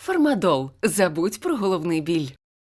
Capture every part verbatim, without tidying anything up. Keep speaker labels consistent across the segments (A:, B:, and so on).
A: Фармадол. Забудь про головний біль.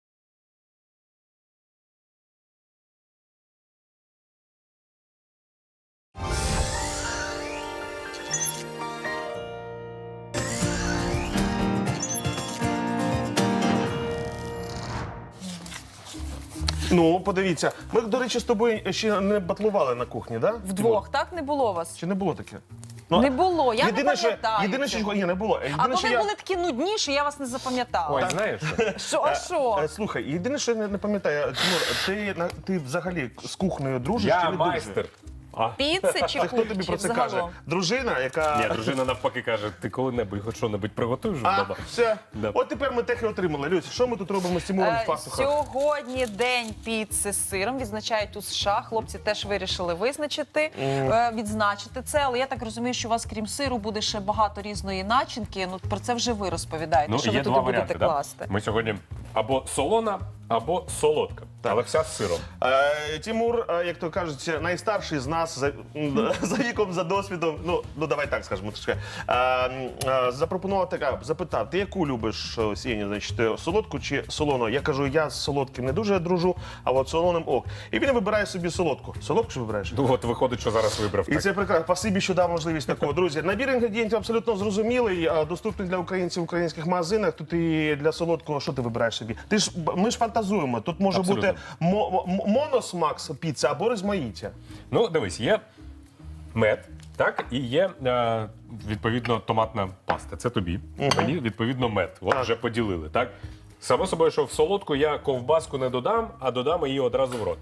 B: Ну, подивіться. Ми, до речі, з тобою ще не батлували на кухні, да?
C: Вдвох, так? Не було вас?
B: Чи не було таке?
C: Не було, я не
B: єдине, що,
C: пам'ятаю
B: єдине, що,
C: цього.
B: ні, не було. Єдине,
C: Або
B: що
C: ви
B: я...
C: були такі нудні, що я вас не запам'ятала.
D: Ой, знаєш,
C: Що, а що?
B: Е, Слухай, єдине, що я не, не пам'ятаю, Тимур, ти, на- ти взагалі з кухнею дружиш чи
D: я
B: не
D: майстер.
B: дружиш?
D: А?
C: Піци чи
B: Це хто тобі про це каже?
C: загалом?
B: Дружина, яка...
D: Ні, дружина навпаки каже, ти коли-небудь хоч що-небудь приготуєш
B: А,
D: вдома?
B: все.
D: Да.
B: От тепер ми тех і отримали. Люсь, що ми тут робимо з Тимуром
C: Е,
B: в пастухах?
C: Сьогодні день піци з сиром відзначають у США. Хлопці теж вирішили визначити, е, відзначити це. Але я так розумію, що у вас, крім сиру, буде ще багато різної начинки. Ну про це вже ви розповідаєте.
D: Ну,
C: що
D: є
C: ви туди
D: два
C: будете
D: варіанти.
C: класти?
D: Да? Ми сьогодні або солона, або солодка. Але вся з сиром.
B: Е, Тимур, е, як то кажуть, найстарший з нас за, м, за віком, за досвідом. Ну, ну давай так скажемо трошки. Е, е, запропонував така, запитав, ти яку любиш е, Сєні, значить, е, солодку чи солону? Я кажу, я з солодким не дуже дружу, а от солоним ок. І він вибирає собі солодку. Солодку ж вибираєш?
D: Ну от виходить, що зараз вибрав.
B: І
D: Так.
B: це прекрасно. Спасибі, що дав можливість такого. Друзі, набір інгредієнтів абсолютно зрозумілий, а, доступний для українців в українських магазинах. Тут і для солодкого, що ти вибираєш собі? Ти ж ми ж фантазуємо. Тут може
D: Абсолютно.
B: бути мо- м- моносмак піца або розмаїття.
D: Ну, дивись, є мед, так, і є, е, відповідно, томатна паста. Це тобі. Мені, відповідно, мед. От
B: Так.
D: вже поділили, так? Само собою, що в солодку я ковбаску не додам, а додам її одразу в рот.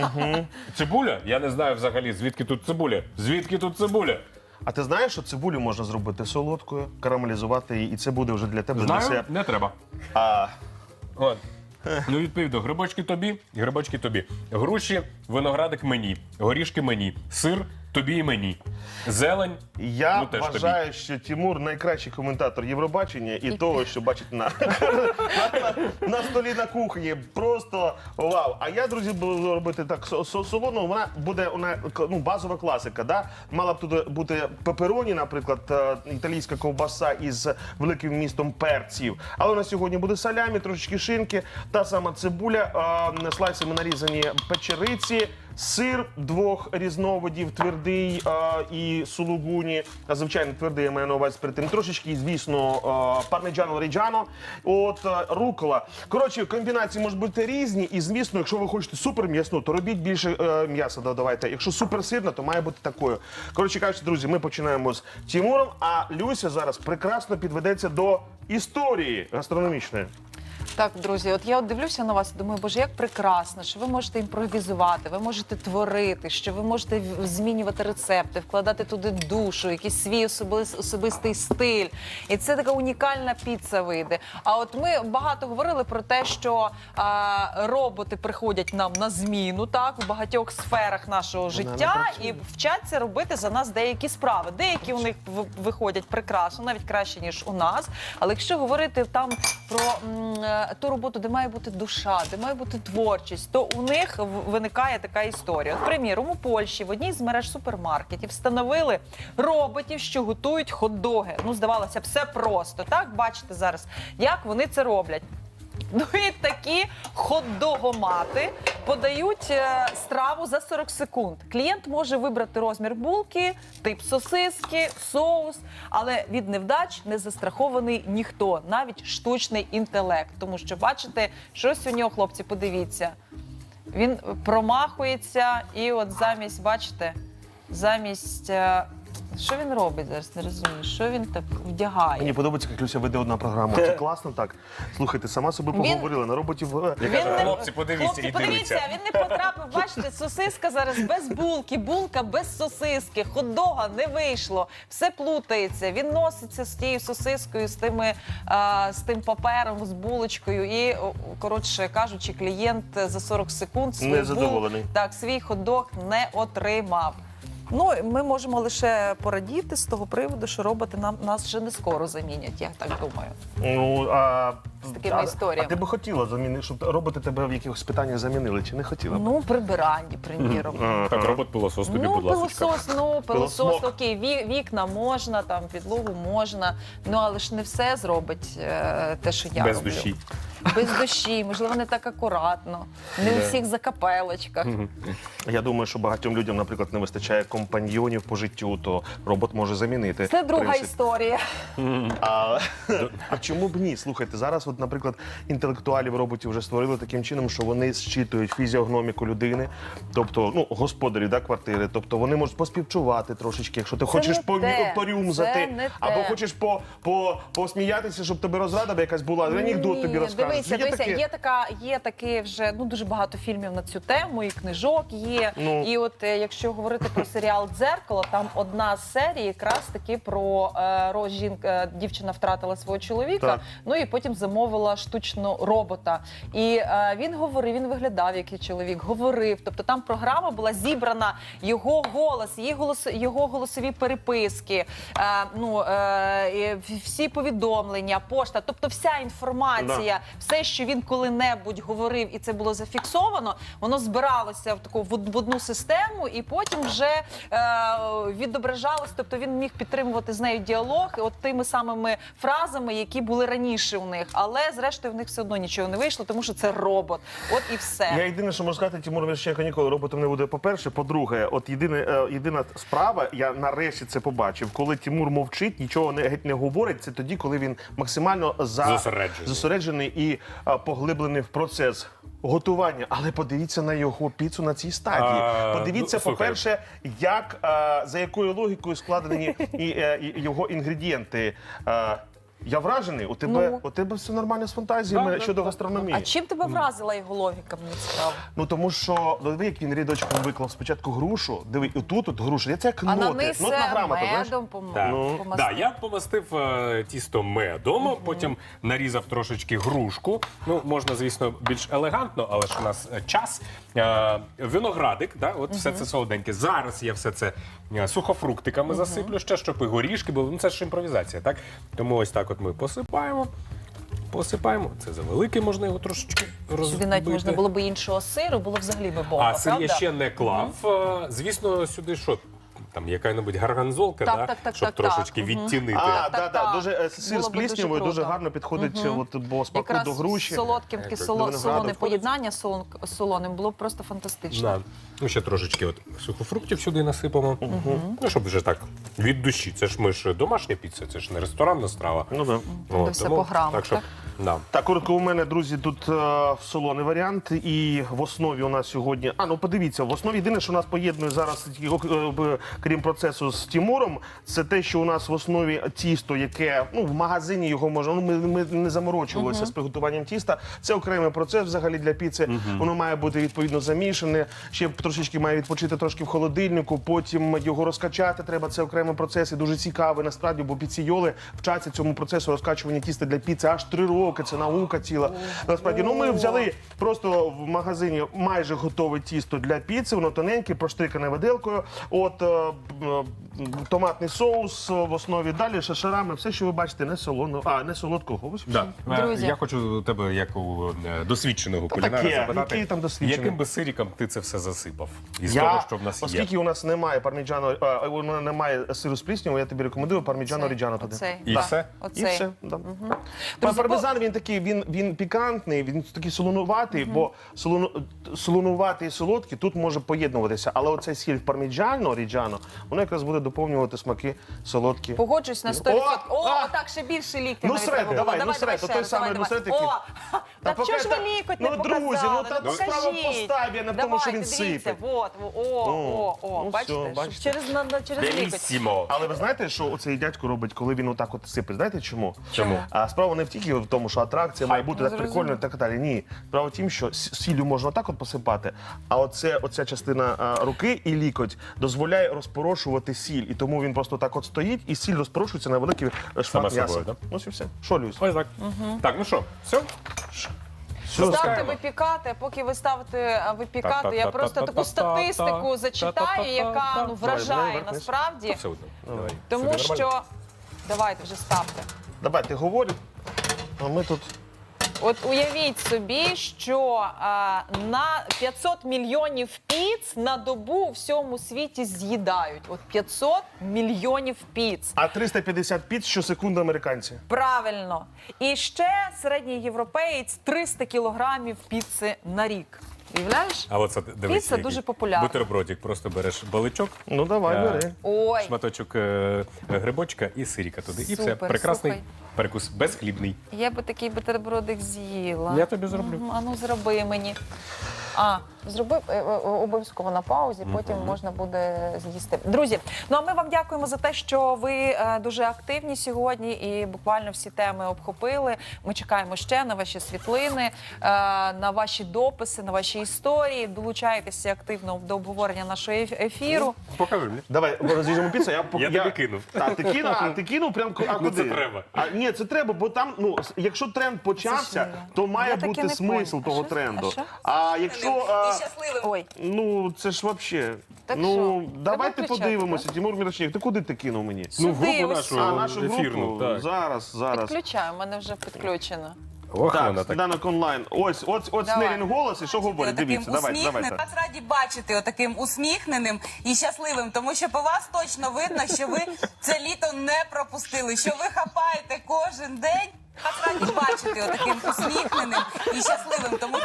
D: Цибуля? Я не знаю взагалі, звідки тут цибуля. Звідки тут цибуля?
B: А ти знаєш, що цибулю можна зробити солодкою, карамелізувати її, і це буде вже для тебе
D: Знаю,
B: десерт.
D: не треба.
B: А
D: От. Ну, відповідно, грибочки тобі, грибочки тобі. Груші, виноградик мені, горішки мені, сир тобі і мені. Зелень,
B: я
D: ну теж
B: вважаю, що Тимур найкращий коментатор Євробачення і того, що бачить на, на, на, на столі на кухні. Просто вау. А я, друзі, буду робити так со- со- солону. Вона буде вона, ну, базова класика. Да? Мала б тут бути пепероні, наприклад, е, італійська ковбаса із великим містом перців. Але на сьогодні буде салямі, трошечки шинки, та сама цибуля, е, слайсами нарізані печериці. Сир двох різновидів, твердий а, і сулугуні, а, звичайно, твердий, я маю на увазі перед тим. Трошечки, звісно, пармеджано ріджано, от а, рукола. Коротше, комбінації можуть бути різні, і, звісно, якщо ви хочете супер м'ясну, то робіть більше е, м'яса додавайте. Якщо супер сирна, то має бути такою. Коротше кажучи, друзі, ми починаємо з Тимуром, а Люся зараз прекрасно підведеться до історії гастрономічної.
C: Так, друзі, от я от дивлюся на вас і думаю, боже, як прекрасно, що ви можете імпровізувати, ви можете творити, що ви можете в- змінювати рецепти, вкладати туди душу, якийсь свій особис- особистий стиль. І це така унікальна піца вийде. А от ми багато говорили про те, що а, роботи приходять нам на зміну, так, у багатьох сферах нашого життя і вчаться робити за нас деякі справи. Деякі у них в- виходять прекрасно, навіть краще, ніж у нас. Але якщо говорити там про м, е, ту роботу, де має бути душа, де має бути творчість, то у них в- виникає така історія. От, приміром, у Польщі в одній з мереж супермаркетів встановили роботів, що готують хот-доги. Ну, здавалося, все просто. Так, бачите зараз, як вони це роблять. Ну і такі хот-догомати подають е, страву за сорок секунд. Клієнт може вибрати розмір булки, тип сосиски, соус, але від невдач не застрахований ніхто, навіть штучний інтелект. Тому що, бачите, щось у нього, хлопці, подивіться. Він промахується і от замість, бачите, замість... е, що він робить зараз, не розумію, що він так вдягає?
B: Мені подобається, як Люся веде одна програма. Це класно так. Слухайте, сама собі
C: Він-
B: поговорила на роботів. е,
D: Я кажу, хлопці, подивіться,
C: Хлопці,
D: і
C: подивіться,
D: дивіться.
C: він не потрапив, бачите, сосиска зараз без булки, булка без сосиски, хот-дога не вийшло, все плутається, він носиться з тією сосискою, з, тими, а, з тим папером, з булочкою і, о, коротше кажучи, клієнт за сорок секунд свій
B: Незадоволений.
C: так, свій хот-дог не отримав. Ну, ми можемо лише порадіти з того приводу, що роботи нам нас вже не скоро замінять, я так думаю.
B: Ну, а,
C: З такими
B: а,
C: історіями.
B: А ти би хотіла замінити, щоб роботи тебе в якихось питаннях замінили, чи не хотіла б?
C: Ну, прибиранні, приміром.
B: Ага.
D: Так, робот-пилосос тобі,
C: Ну,
D: будь ласка.
C: пилосос, ну, пилосос,
B: Пилосмок.
C: окей, ві- вікна можна, там, підлогу можна, ну, але ж не все зробить е, те, що я
D: Без
C: роблю.
D: душі.
C: Без душі, можливо, не так акуратно, не у всіх закапелочках.
B: Я думаю, що багатьом людям, наприклад, не вистачає компаньйонів по життю, то робот може замінити.
C: Це друга
B: принцип.
C: історія.
B: А, а чому б ні? Слухайте, зараз, от, наприклад, інтелектуалів роботів вже створили таким чином, що вони зчитують фізіогноміку людини, тобто ну, господарі да, квартири. Тобто вони можуть поспівчувати трошечки, якщо ти хочеш
C: не
B: по,
C: те.
B: порюмзати,
C: Це не
B: або
C: те.
B: хочеш по, по, посміятися, щоб тебе розрада б якась була, анекдот
C: Ні,
B: тобі розкажуть.
C: Дивися,
B: Є
C: дивися,
B: таке?
C: є така, є таке вже ну дуже багато фільмів на цю тему, і книжок є.
B: Ну.
C: І от е, якщо говорити про серіал «Дзеркало», там одна з серій якраз таки про е, роз жінка, дівчина втратила свого чоловіка,
B: Так.
C: ну і потім замовила штучно робота. І е, він говорив, він виглядав як і чоловік, говорив. Тобто там програма була зібрана, його голос, її голос, його голосові переписки, е, ну е, і всі повідомлення, пошта, тобто вся інформація, все, що він коли-небудь говорив, і це було зафіксовано, воно збиралося в таку в од- в одну систему, і потім вже е, відображалось. Тобто він міг підтримувати з нею діалог, от тими самими фразами, які були раніше у них. Але зрештою в них все одно нічого не вийшло, тому що це робот. От і все.
B: Я єдине, що можу сказати, Тимур Мірошниченко ніколи роботом не буде. По-перше, по-друге, от єдине, е, єдина справа, я нарешті це побачив, коли Тимур мовчить, нічого не, геть не говорить, це тоді, коли він максимально за...
D: Зосереджений.
B: зосереджений і е, поглиблений в процес готування. Але подивіться на його піцу на цій стадії.
D: А,
B: Подивіться,
D: ну, слухай.
B: по-перше, як, е, за якою логікою складені і, е, і його інгредієнти. Е, Я вражений, у тебе,
C: Ну.
B: у тебе все нормально з фантазіями
D: Да, да,
B: щодо
D: да.
B: гастрономії.
C: А чим тебе вразила його логіка, мені цікаво?
B: Ну тому що диви, як він рядочком виклав спочатку грушу. Диви, і тут от груша. Це як
C: А на
B: ноти.
C: низ
B: Нотна грамота, знаєш?
C: медом пом-
D: Так.
B: Ну,
C: помастив.
D: Да, я помастив е, тісто медом, потім нарізав трошечки грушку. Ну, можна, звісно, більш елегантно, але ж у нас е, час. Е, виноградик, да, от все це солоденьке. Зараз я все це е, сухофруктиками засиплю ще, щоб і горішки були. Ну, це ж імпровізація, так? Тому ось так от ми посипаємо. Посипаємо. Це завелике, можна його трошечки розбити.
C: Сюди навіть можна було б іншого сиру, було б взагалі би бомба,
D: А сир я
C: правда?
D: ще не клав. Е, Звісно, сюди що? Там яка-небудь гарганзолка,
C: Так,
D: да?
C: так, так,
D: щоб
C: так,
D: трошечки
C: так. Мгм.
D: відтінити.
B: А,
C: Так,
B: да,
C: так,
B: да,
C: так.
B: дуже е, сир
C: Було
B: з
C: б дуже
B: пліснявою дуже,
C: круто.
B: гарно підходить, от, бо смаку
C: Якраз
B: до груші.
C: з солодким
B: До
C: кисло,
B: винограду.
C: солоне поєднання з солон- з солоним було б просто фантастично.
D: Да. Ну, ще трошечки от сухофруктів сюди насипамо. Ну, щоб вже так від душі. Це ж ми ж домашня піца, це ж не ресторанна страва.
B: Ну, да.
C: Де все по грамах,
D: так, що,
C: так?
D: Да.
B: Так, коротко, у мене, друзі, тут е, солоний варіант, і в основі у нас сьогодні. А, ну подивіться, в основі єдине, що нас поєднує зараз, е, е, крім процесу з Тимуром, це те, що у нас в основі тісто, яке ну в магазині його можна. Ну ми, ми не заморочувалися з приготуванням тіста. Це окремий процес взагалі для піци. Воно має бути відповідно замішане. Ще трошечки має відпочити трошки в холодильнику. Потім його розкачати. Треба це окремий процес і дуже цікавий насправді, бо піційоли вчаться цьому процесу розкачування тіста для піци аж три роки. Це наука ціла. Насправді, ну ми взяли просто в магазині майже готове тісто для піци. Воно тоненьке, проштрикане виделкою. От е, е, томатний соус в основі. Далі шашарами. Все, що ви бачите, не солоно, а не солодкого. Ось
D: Да.
C: Друзі.
D: Я хочу у тебе, як у е, досвідченого кулінара,
B: таке,
D: запитати,
B: який там досвідчений?
D: яким би сиріком ти це все засипав? Із
B: Я,
D: того, що в нас
B: оскільки
D: є.
B: у нас немає парміджану, а, у нас немає сиру з пліснявою, я тобі рекомендую парміджано
C: Оцей,
B: оріджано туди.
C: оцей,
D: І
C: да.
D: все?
B: І
C: Оцей.
B: все. Да.
C: Друзі,
B: Пармезан він такий, він, він пікантний, він такий солонуватий, бо солону, солонуватий і солодкий тут може поєднуватися. Але оцей сіль парміджано оріджано, воно якраз буде доповнювати смаки солодкі.
C: Погоджусь на сто відсотків. О,
B: а!
C: так, ще більше ліктя
B: Ну,
C: навіть
B: сред,
C: треба було.
B: давай, ну, сред,
C: ще
B: той
C: раз,
B: самий,
C: давай,
B: ну, сред
C: давай.
B: який.
C: О,
B: Та
C: так чого ж ви
B: поки-
C: лікоть не
B: ну,
C: показали?
B: друзі, ну, та
C: Ну,
B: справа в
C: покажіть.
B: поставі, а не в тому, що він
C: Давайте, дивіться,
B: сипе.
C: вот, о, о, о,
B: ну,
C: бачите,
B: все,
C: щоб
B: бачите.
C: через, на- на- через лікоть.
D: Белісімо.
B: Але ви знаєте, що оцей дядько робить, коли він отак от сипе? Знаєте чому?
D: Чому?
B: А справа не в тільки в тому, що атракція має бути
C: Ну,
B: так прикольно і так далі. Ні. Справа в тім, що с- сіллю можна отак от посипати, а оце, оця частина а, руки і лікоть дозволяє розпорошувати сіль. І тому він просто так от стоїть, і сіль розпорошується на великий е, шмат
D: Саме
B: м'яса.
D: собою, да?
B: Ось і все. Що, Люсь?
D: Ось так. Так, ну що, все?
B: Все,
C: Ставте
B: скажемо.
C: випікати, а поки ви ставите е, випікати, я просто таку статистику зачитаю, яка ну, вражає
B: Давай,
C: насправді.
D: Все одно. Давай.
C: Тому
D: Собі нормально?
C: що давайте вже ставте.
B: Давай, ти говори, а ми тут...
C: От уявіть собі, що а, на п'ятсот мільйонів піц на добу у всьому світі з'їдають. От п'ятсот мільйонів піц.
B: А триста п'ятдесят піц щосекунди американці.
C: Правильно. І ще середній європеєць триста кілограмів піци на рік. Уявляєш?
D: А оце дивись.
C: Піца
D: який.
C: дуже популярна.
D: Бутербродик, просто береш баличок,
B: Ну давай,
D: Е,
B: бери.
C: Ой,
D: шматочок е, грибочка і сиріка туди. І все.
C: Супер,
D: Прекрасний
C: слухай.
D: перекус, безхлібний.
C: я би такий бутербродик з'їла.
D: Я тобі зроблю.
C: Мгм, а ну зроби мені. А, зроби е, е, обов'язково на паузі, потім можна буде з'їсти. Друзі, ну а ми вам дякуємо за те, що ви е, дуже активні сьогодні і буквально всі теми обхопили. Ми чекаємо ще на ваші світлини, е, на ваші дописи, на ваші історії. Долучайтеся активно до обговорення нашого еф- ефіру.
D: Покажи мені.
B: Давай розріжемо піцу, я пок-
D: Я тобі кинув.
B: Так, ти кинув, а ти кинув прям ку- а
D: Ну,
B: куди?
D: це треба.
B: А ні, це треба, бо там, ну, с- якщо тренд почався,
C: Це ж,
B: то має
C: я таки
B: бути
C: не
B: смисл
C: поняла.
B: того
C: А що?
B: тренду.
C: А що?
B: А якщо а,
C: Ой,
B: ну це ж вообще.
C: Так
B: ну
C: що?
B: давайте
C: Треба включати,
B: подивимося. Тимур Мірошник, ти куди ти кинув мені?
D: Ну, в
C: Сюди,
D: групу
C: ось
D: нашу,
B: А, нашу
D: ефірну.
B: групу?
D: Так.
B: Зараз, зараз.
C: підключаю, у мене вже підключено.
D: Ох,
B: Так,
D: вона так.
B: сніданок онлайн. Ось, ось, ось
C: Давай.
B: Снелін голос, і що говорить?
E: Отаким
B: Дивіться, давайте,
E: усміхненим.
B: давайте.
E: Вас раді бачити отаким усміхненим і щасливим, тому що по вас точно видно, що ви це літо не пропустили, що ви хапаєте кожен день. Вас раді бачити отаким усміхненим і щасливим, тому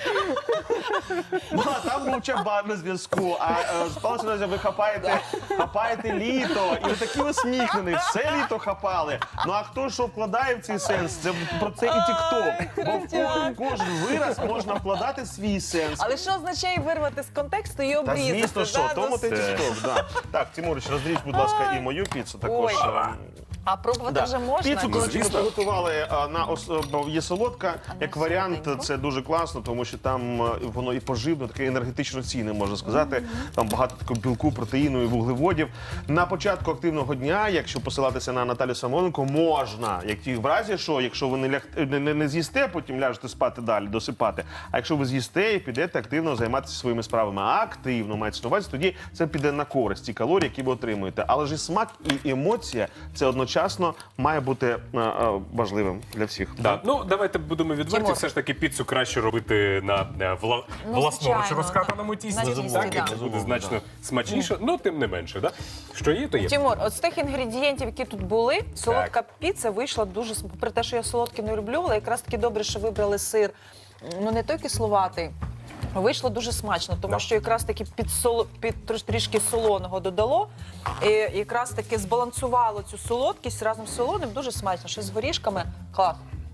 B: Ну, а там був чабан на зв'язку, а е, спалося на ви хапаєте, хапаєте літо, і ви такі усміхнені, все літо хапали. Ну а хто що вкладає в цей сенс? Це про це і тік-ток. Бо в ко- кожен вираз можна вкладати свій сенс.
C: Але що означає вирвати з контексту і
B: Та
C: обрізати?
B: звісно, що,
C: да,
B: тому
C: ну,
B: ти тік-ток, да. Так, Тимурич, розріж, будь ласка, і мою піцу також.
C: Ой.
B: е,
C: А пробувати вже можна?
B: Піцу,
C: Ні?
B: коротше, ми
D: звісно.
B: приготували а, на ос... бо є солодка. Як варіант,
C: солоденько.
B: це дуже класно, тому що там е, воно і поживно, таке енергетично цінне, можна сказати. Там багато такого білку, протеїну і вуглеводів. На початку активного дня, якщо посилатися на Наталю Самойленко, можна, як ті в разі, що якщо ви не, ляг... не, не, не з'їсте, потім ляжете спати далі, досипати. А якщо ви з'їсте і підете активно займатися своїми справами, а активно мається на увазі, тоді це піде на користь ті калорії, які ви отримуєте. Але ж і смак і емоція це одночасно має бути е, е, важливим для всіх.
D: Да. Ну, давайте будемо відверті.
C: Тимур.
D: Все ж таки піцу краще робити на е, вла...
C: Ну,
D: власноруч
C: звичайно,
D: розкатаному
C: на
D: тісті.
C: тісті,
D: Так, і
C: да.
D: це буде значно смачніше, ну тим не менше. Да? Що є, то є.
C: Тимур, от з тих інгредієнтів, які тут були, солодка піца вийшла дуже, с- попри те, що я солодке не люблю, але якраз таки добре, що вибрали сир, ну не той кисловатий, вийшло дуже смачно, тому
D: Да.
C: що якраз таки під, соло, під трош- трішки солоного додало, і якраз таки збалансувало цю солодкість разом з солоним, дуже смачно, що з горішками, клас.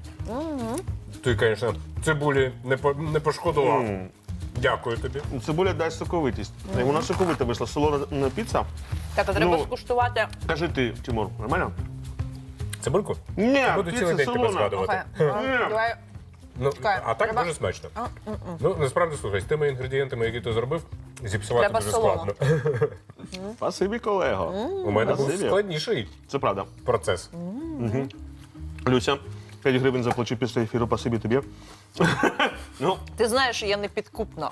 D: Ти, звісно, цибулі не, по... не пошкодував.
B: М.
D: Дякую тобі.
B: Цибуля дасть соковитість. І вона соковита вийшла. Солона піца.
C: Так, а треба
B: Ну,
C: скуштувати.
B: Кажи ти, Тимур, нормально?
D: Цибульку?
B: Ні,
D: Буду цілий
B: піца
D: день тебе
B: солона.
D: згадувати.
C: Слухай, а, давай.
D: Ну,
C: Чекай,
D: а так
C: треба-
D: дуже смачно.
C: А, м, м.
D: Ну, насправді, слухай, з тими інгредієнтами, які ти зробив, зіпсувати
C: Треба
D: дуже
C: солоно.
D: складно.
B: Спасибі, колего.
D: У мене був
B: Спасибі.
D: складніший
B: Це правда.
D: процес.
B: Люся, п'ять гривень заплачу після ефіру, спасибі тобі. Ну,
C: Ти знаєш, що я не підкупна.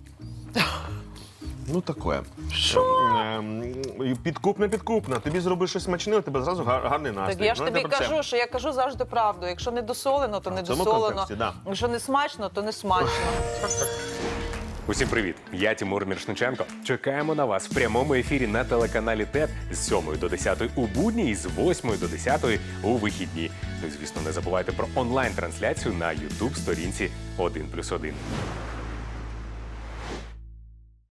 B: ну таке. Що? Підкупна, підкупна. Тобі зроби щось смачне, у тебе зразу гар- гарний настрій.
C: Так я ж
B: Ну,
C: тобі
B: йде про це.
C: кажу, що я кажу завжди правду. Якщо не досолено, то не
B: в цьому
C: досолено.
B: контексті, да.
C: Якщо не смачно, то не смачно.
D: Усім привіт! Я Тимур Міршниченко. Чекаємо на вас в прямому ефірі на телеканалі ТЕТ з сьомої до десятої у будні і з восьмої до десятої у вихідні. Ну і звісно, не забувайте про онлайн-трансляцію на ютуб сторінці один плюс один.